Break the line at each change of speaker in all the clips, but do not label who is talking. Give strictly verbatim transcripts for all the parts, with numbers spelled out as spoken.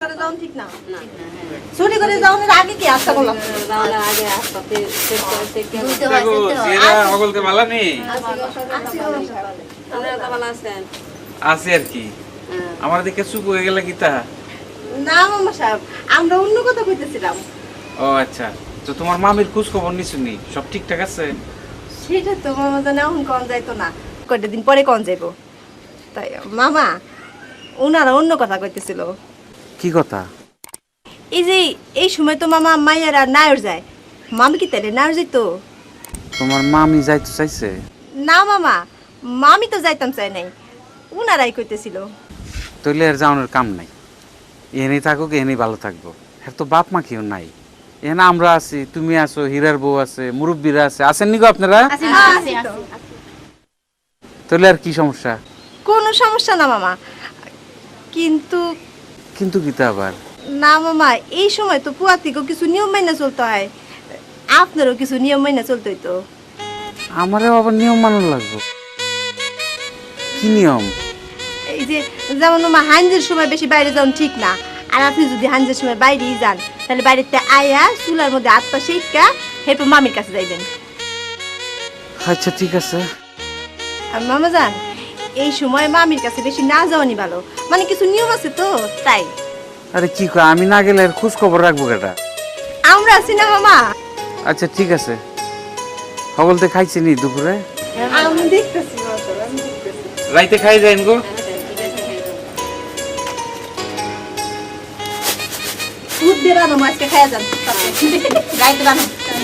করে যাওন ঠিক না চুরি করে যাওনের আগে কি আশা করলাম
যাওনের আগে আস্তে চেক করে চেক করে
দেখো সিরা সকলকে ভালো নেই
আপনারা তো ভালো আছেন
আছে আর কি আমার দিকে চুপ হয়ে গেল কি তা
না মামা সাহেব আমরা অন্য কথা কইতেছিলাম
ও আচ্ছা তো তোমার মামির খোঁজ খবর নিছুনি সব ঠিকঠাক আছে
সেটা তো মামা জানে এখন কোন যাইতো না কয়টা দিন পরে কোন যাইবো তাই মামা ওনারা অন্য কথা কইতেছিল
কি কথা
এই যে এই সময় তো মামা মাইয়ারা নায়র যায় মামি কি তাইলে নায়র যাইতো
তোমার মামি যাইতে চাইছে
না মামা মামি তো যাইতাম চাই নাই ওনারাই কইতেছিল
তইলে আর যাওয়ানোর কাম নাই এনে থাকুক এনেই ভালো থাকবো আর তো বাপ মা কেউ নাই এখানে আমরা আছি তুমি আছো হীরার বউ আছে মুরব্বীরা আছে আছেন নি গো আপনারা তাহলে আর কি সমস্যা
কোনো সমস্যা না মামা কিন্তু
কিন্তু কি তা আবার
না মামা এই সময় তো পুয়াতিকেও কিছু নিয়ম মাইনা চলতে হয় আপনারও কিছু নিয়ম মাইনা চলতে হইতো
আমারও আবার নিয়ম মানন লাগবে কি নিয়ম
এই যে যেমন মামা হাঞ্জের সময় বেশি বাইরে যাওয়া ঠিক না আর আপনি যদি হাঞ্জের সময় বাইরেই যান তাহলে বাড়িতে আয়া চুলার মধ্যে হাত পা শেখা এরপর মামির কাছে যাইবেন
আচ্ছা ঠিক আছে
আর মামা যান এই সময় মামির কাছে বেশি না যাওয়ানি ভালো মানে কিছু নিয়ম আছে তো তাই
আরে কি কয় আমি না গেলে আর খোঁজ খবর রাখবো কেটা
আমরা আছি না মামা
আচ্ছা ঠিক আছে হগলতে খাইছি নি দুপুরে
আমি দেখতেছি
রাইতে খাই যাইন গো
দুধ দিয়ে রানো মাছকে খাইয়া যান গাইতে রানো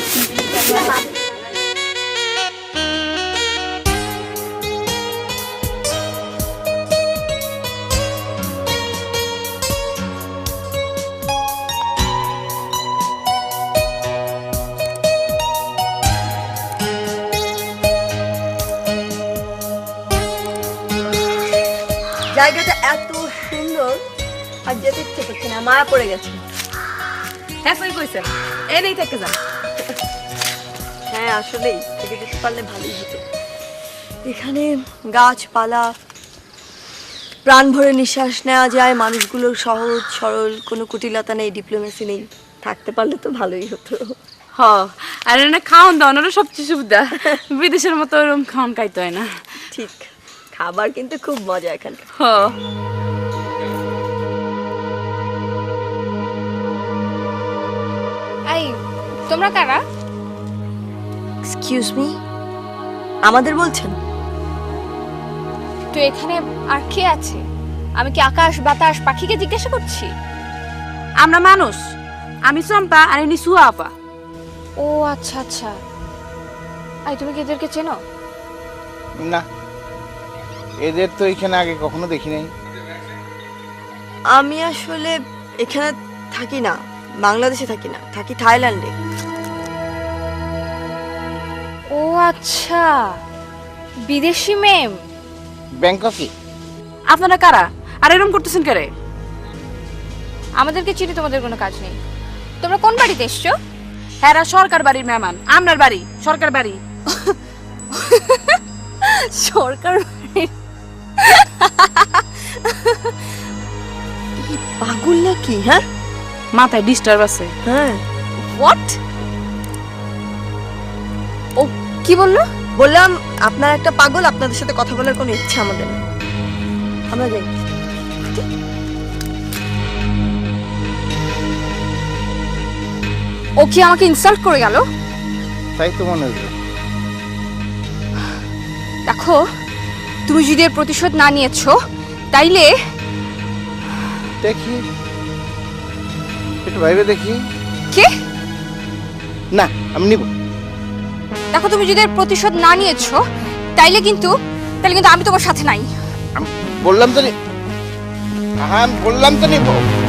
জায়গাটা এত সুন্দর আর যেতে ইচ্ছে করছে না মায়া পড়ে গেছে
হ্যাঁ সই কইছেন এনেই থেকে যান
হ্যাঁ আসলেই থেকে যেতে পারলে ভালোই হতো এখানে গাছপালা প্রাণ ভরে নিঃশ্বাস নেওয়া যায় মানুষগুলোর সহজ সরল কোনো কুটিলতা নেই ডিপ্লোমেসি নেই থাকতে পারলে তো ভালোই হতো
হ আর এনে খাওয়ান দাওয়ানোরও সবচেয়ে সুবিধা বিদেশের মতো ওরকম খাওয়ান খাইতে হয় না
ঠিক খাবার কিন্তু খুব মজা এখানকার
হ
এই তোমরা কারা
এক্সকিউজ মি আমাদের বলছেন
তো এখানে আর কে আছে আমি কি আকাশ বাতাস পাখিকে জিজ্ঞাসা করছি
আমরা মানুষ আমি চম্পা আর ইনি সুয়া আপা
ও আচ্ছা আচ্ছা এই তুমি কি এদেরকে চেনো
না এদের তো এখানে আগে কখনো দেখি নাই
আমি আসলে এখানে থাকি না বাংলাদেশে থাকি না থাকি থাইল্যান্ডে
ও আচ্ছা বিদেশি মেম
ব্যাংককে
আপনারা কারা আর এরকম করতেছেন কারে
আমাদেরকে চিনি তোমাদের কোনো কাজ নেই তোমরা কোন বাড়িতে এসছো
হ্যাঁ সরকার বাড়ির মেহমান আপনার বাড়ি সরকার বাড়ি
সরকার
পাগল নাকি হ্যাঁ
মাথায় ডিস্টার্ব আছে
হ্যাঁ
হোয়াট ও কি বললো
বললাম আপনার একটা পাগল আপনাদের সাথে কথা বলার কোনো ইচ্ছা আমাদের নেই আমরা যাই
ও কি আমাকে ইনসাল্ট করে গেল
তাই তো মনে হলো
দেখো তুমি যদি এর প্রতিশোধ না নিয়েছো তাইলে
দেখি একটু বাইরে দেখি
কে
না আমি নিব
দেখো তুমি যদি এর প্রতিশোধ না নিয়েছো তাইলে কিন্তু তাইলে কিন্তু আমি তোমার সাথে নাই
আমি বললাম তো নি- হ্যাঁ আমি বললাম তো নিব